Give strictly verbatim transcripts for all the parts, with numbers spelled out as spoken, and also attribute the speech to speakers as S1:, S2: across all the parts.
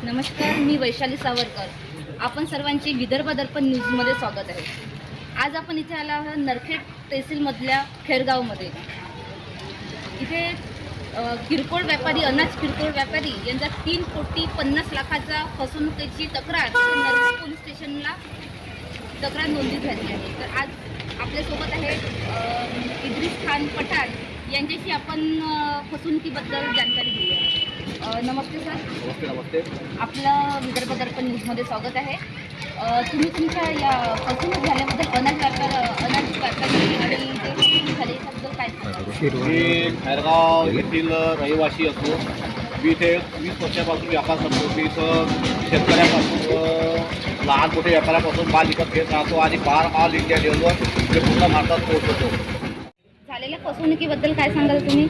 S1: नमस्कार, मी वैशाली सावरकर. आपण सर्वांचे विदर्भ दर्पण न्यूजमध्ये स्वागत आहे. आज आपण इथे आला आहोत नरखेड तहसीलमधल्या खेरगावमध्ये. इथे किरकोळ व्यापारी अनाज किरकोळ व्यापारी यांचा तीन कोटी पन्नास लाखाचा फसवणुकीची तक्रार नरखेड पोलीस स्टेशनला तक्रार नोंदणी झाली आहे. तर आज आपल्यासोबत आहे इद्रिस खान पठाण. यांच्याशी आपण फसवणुकीबद्दल जानकारी घेऊया. नमस्ते सर.
S2: नमस्ते. नमस्ते.
S1: आपलं विदर्भ दर्पण न्यूजमध्ये स्वागत आहे. तुम्ही तुमच्या या फसवणूक झाल्याबद्दल अनाज व्यापार अनाज व्यापारी आणि जे फसवणूक झाली त्याबद्दल काय सांगाल?
S2: मी खैरगाव येथील रहिवासी असतो. मी इथे वीस वर्षापासून व्यापार करतो. मी इथं शेतकऱ्यापासून लहान मोठे व्यापाऱ्यापासून माल विकत घेत राहतो आणि बार माल इंडिया लेवलवर ते पूर्ण भारतात पोहोचवतो.
S1: झालेल्या फसवणुकीबद्दल काय सांगाल तुम्ही?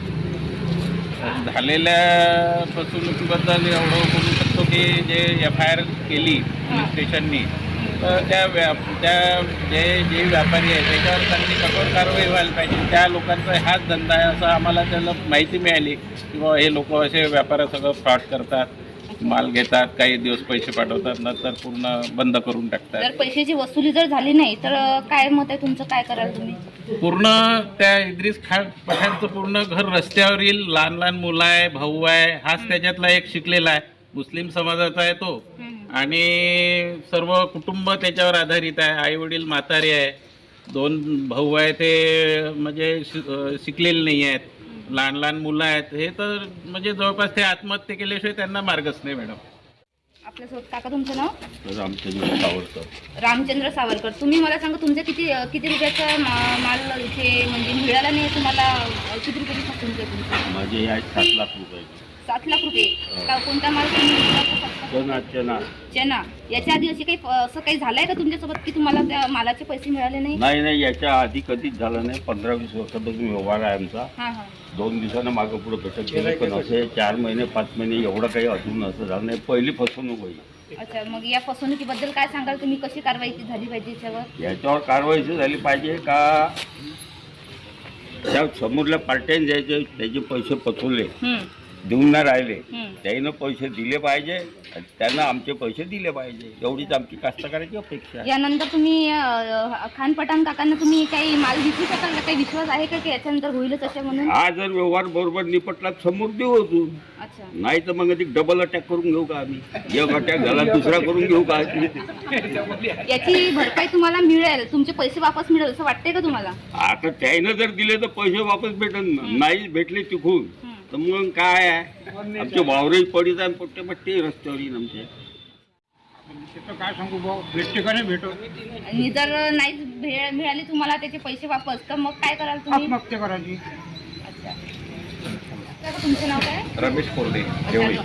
S3: झालेल्या फसवणुकीबद्दल एवढं बोलू शकतो की जे एफ आय आर केली पोलीस स्टेशननी तर त्या व्या त्या जे जे व्यापारी आहे त्याच्यावर त्यांनी कठोर कारवाई व्हायला पाहिजे. त्या लोकांचा हाच धंदा आहे असं आम्हाला त्याला माहिती मिळाली की बाबा हे लोक असे व्यापाऱ्या सगळं फ्रॉड करतात, माल घेतात, काही दिवस पैसे पाठवतात, नंतर पूर्ण बंद करून टाकतात.
S1: जर पैशाची वसुली जर झाली नाही तर काय मत आहे तुमचं? काय कराल तुम्ही?
S3: पूर्ण त्या इद्रिस खान पठाणचं पूर्ण घर रस्त्यावर येईल. लहान लहान मुलं आहे, भाऊ आहे, हाच त्याच्यातला एक शिकलेला आहे, मुस्लिम समाजाचा आहे तो. आणि सर्व कुटुंब त्याच्यावर आधारित आहे. आई वडील म्हातारे आहे, दोन भाऊ आहे ते म्हणजे शिकलेले नाही आहेत, लहान लहान मुलं आहेत. हे तर म्हणजे जवळपास ते आत्महत्या केल्याशिवाय त्यांना मार्गच नाही. मॅडम
S1: आपल्यासोबत काका तुमचं नाव?
S3: रामचंद्र सावरकर.
S1: रामचंद्र सावरकर. तुम्ही मला सांगा तुमच्या किती किती रुपयाचा मा- माल इथे म्हणजे मिळाला नाही तुम्हाला? किती रुपयाची फसवणूक आहे तुमची?
S3: माझे या सात लाख रुपये.
S1: सात लाख रुपये. का कोणता माल तुम्ही विकला?
S3: चना चना
S1: चना. याच्या आधी अशी काही असं काही झालंय का तुमच्यासोबत की तुम्हाला त्या मालाचे पैसे मिळाले नाही?
S4: नाही नाही याच्या आधी कधीच झालं नाही. पंधरा वीस वर्षापासून व्यवहार आहे आमचा.
S1: हां हां.
S4: दोन दिवसानं मागं पुढं कसं केलं पण असे चार महिने पाच महिने एवढं काही अजून असं झालं नाही. पहिली फसवणूक होईल.
S1: अच्छा, मग या फसवणुकीबद्दल काय सांगाल तुम्ही? कशी कारवाई झाली पाहिजे याच्यावर?
S4: याच्यावर कारवाई झाली पाहिजे का त्या समोरल्या पार्ट्याने ज्याचे त्याचे पैसे पचवले
S1: हम्म,
S4: देऊन नाही राहिले
S1: हम्म.
S4: त्यानं पैसे दिले पाहिजे आणि त्यांना आमचे पैसे दिले पाहिजे एवढीच आमची कास्तकाराची अपेक्षा आहे.
S1: यानंतर तुम्ही अं, खान पठाण काकांना तुम्ही काही माल विकू शकाल का? काही विश्वास आहे का की याच्यानंतर होईलच असे म्हणून?
S4: हा जर व्यवहार बरोबर निपटला समोर देऊ होतो.
S1: अच्छा.
S4: नाही तर मग एक डबल अटॅक करून घेऊ का आम्ही? एक अटॅक झाला दुसरा करून घेऊ का?
S1: याची भरपाई तुम्हाला मिळेल, तुमचे पैसे वापस मिळेल असं वाटते का तुम्हाला?
S4: आता त्यानं जर दिले तर पैसे वापस भेटल ना. नाही भेटले चुकून तर मग काय आहे? आमचे वावरही पडीत आहे, पट्टे पट्टे रस्त्यावर येईल आमचे.
S2: काय सांगू भाऊ, भेटते का नाही भेटत?
S1: आणि जर नाही भे- मिळाले तुम्हाला त्याचे पैसे वापस तर मग काय कराल तुम्ही?
S2: आत्महत्या करायची.
S1: अच्छा. काका, तुमचं नाव काय?
S2: रमेश कोरडे,
S1: देवळी.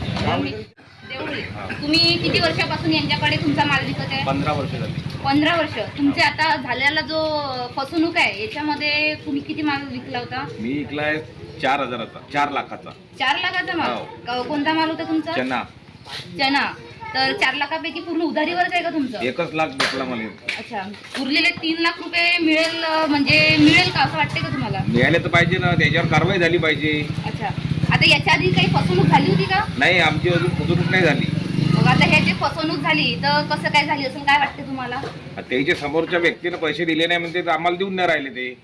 S1: देवळी. तुम्ही किती वर्षापासून यांच्याकडे तुमचा माल विकत आहे?
S2: पंधरा वर्ष झाली.
S1: पंधरा वर्ष. तुमचे आता झालेला जो फसवणूक आहे याच्यामध्ये तुम्ही किती माल विकला होता?
S2: मी विकलाय चार हजाराचा, चार लाखाचा
S1: चार लाखाचा माल. क- कोणता माल होता तुमचा?
S2: चना.
S1: चना. तर चार लाखापैकी पूर्ण उधारीवरच आहे का तुमचं?
S2: एकच लाख भेटला मला.
S1: अच्छा. उरलेले तीन लाख रुपये मिळेल म्हणजे मिळेल का असं वाटते का तुम्हाला?
S2: मिळाले तर पाहिजे ना, त्याच्यावर कारवाई झाली पाहिजे.
S1: अच्छा. आता याच्या आधी काही फसवणूक झाली होती का?
S2: नाही, आमची अजून फसवणूक नाही झाली.
S1: मग आता हे जे फसवणूक झाली तर कसं काय झाली असेल, काय वाटते तुम्हाला?
S2: त्याच्या समोरच्या व्यक्तीने पैसे दिले नाही म्हणजे आम्हाला देऊन नाही राहिले ते.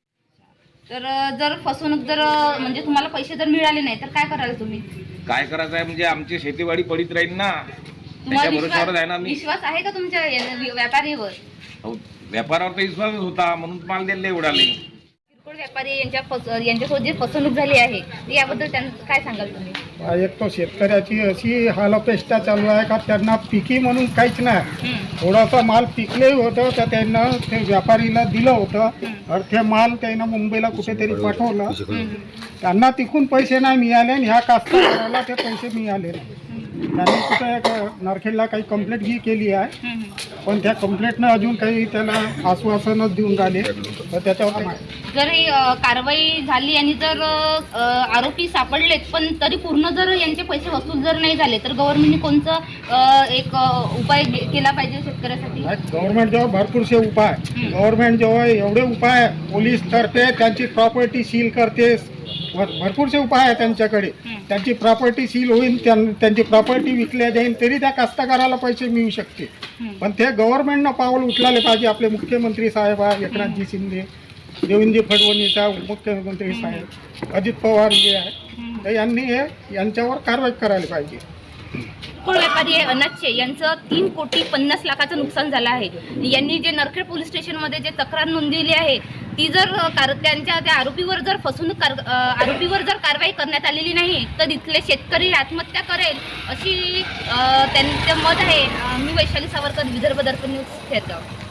S1: तर जर फसवणूक जर म्हणजे तुम्हाला पैसे जर मिळाले नाही तर काय कराल तुम्ही?
S2: काय करायचं आहे म्हणजे आमची शेतीवाडी पडीत राहील ना.
S1: तुम्हाला
S2: त्याच्या भरोश्यावर आहे ना
S1: विश्वास
S2: आम्ही.
S1: विश्वास आहे का तुमच्या या- व्यापारीवर?
S2: हो, व्यापारावर तर विश्वासच होता म्हणून माल द्यायला उडाले.
S1: किरकोळ व्यापारी यांच्या फस यांच्यासोबत जी फसवणूक झाली आहे तर याबद्दल त्यांचं काय सांगाल तुम्ही?
S5: एक तो शेतकऱ्याची अशी हालअपेष्टा चालू आहे का त्यांना पिकी म्हणून काहीच नाही.
S1: हम्म.
S5: थोडासा माल पिकले होतं तर त्यांना ते व्यापारीला दिलं होतं और ते माल त्यांना मुंबईला कुठेतरी पाठवलं.
S1: हम्म.
S5: त्यांना तिकून पैसे नाही मिळाले आणि ह्या कास्तकाराला ते पैसे मिळाले नाही. त्यांनी कुठे एक नरखेडला काही कंप्लेंट ही केली आहे
S1: हम्म.
S5: पण त्या कंप्लेंटनं अजून काही त्याला आश्वासनच देऊन राहिले तर त्याच्यावर नाही.
S1: जर ही अ, कारवाई झाली आणि जर अ, आरोपी सापडलेत पण तरी पूर्ण जर यांचे पैसे वसूल जर नाही झाले तर गव्हर्नमेंटने कोणतं अ, एक अ, उपाय गे- केला पाहिजे शेतकऱ्यासाठी?
S5: गव्हर्नमेंट जेव्हा भरपूरसे उपाय गव्हर्नमेंट जेव्हा एवढे उपाय पोलीस करते, त्यांची प्रॉपर्टी सील करते, भर- भरपूरसे उपाय आहे त्यांच्याकडे.
S1: हं.
S5: त्यांची प्रॉपर्टी सील होईल, त्यां- त्यांची प्रॉपर्टी विकल्या जाईल तरी त्या कास्तकाराला पैसे मिळू शकते.
S1: हं.
S5: पण ते गव्हर्नमेंटनं पाऊल उचलायला पाहिजे. आपले मुख्यमंत्री साहेब आहे एकनाथजी शिंदे, देवेंद्र फडणवीस आहे मुख्यमंत्री साहेब, अजित पवार जे आहे,
S1: हं.
S5: तर यांनी हे यांच्यावर कारवाई करायला पाहिजे.
S1: फळ व्यापारी आहे अनाजचे, यांचं तीन कोटी पन्नास लाखाचं नुकसान झालं आहे. यांनी जे नरखेड पोलीस स्टेशनमध्ये जे तक्रार नोंदवली आहे ती जर अ, कार त्यांच्या त्या आरोपीवर जर फसवणूक कार अ, आरोपीवर जर कारवाई करण्यात आलेली नाही तर इथले शेतकरी आत्महत्या करेल अशी अ, त्यांचं मत आहे. अ, मी वैशाली सावरकर, विदर्भ दर्पण न्यूज, खेरगाव.